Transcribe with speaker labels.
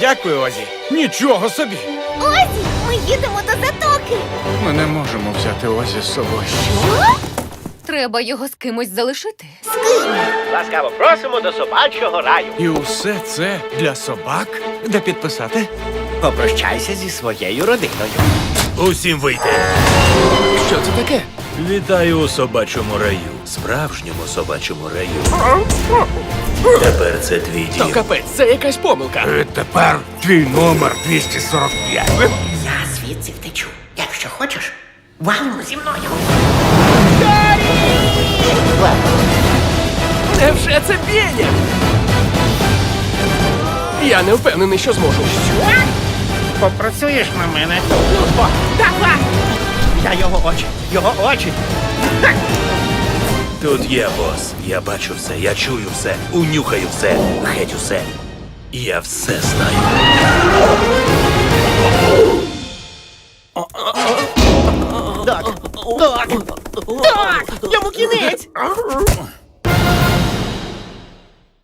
Speaker 1: Дякую, Озі. Нічого собі.
Speaker 2: Озі, ми їдемо до затоки.
Speaker 1: Ми не можемо взяти Озі з собою.
Speaker 3: Треба його з кимось залишити.
Speaker 4: Ласкаво просимо до собачого раю.
Speaker 1: І усе це для собак? Де підписати?
Speaker 4: Попрощайся зі своєю родиною.
Speaker 5: Усім вийти.
Speaker 6: Що це таке?
Speaker 5: Вітаю у собачому раю. Справжньому собачому раю. Тепер це твій
Speaker 6: То
Speaker 5: дім.
Speaker 6: капець, це якась помилка.
Speaker 1: Тепер твій номер 245.
Speaker 7: Я звідси втечу. Якщо хочеш, ванну зі мною.
Speaker 6: Невже це Беня? Я не впевнений, що зможу.
Speaker 4: Попрацюєш на мене. Ну, давай! Я його очі.
Speaker 5: Тут є бос. Я бачу все, я чую все, унюхаю все, геть усе. Я все знаю.
Speaker 4: Док! Йому кінець!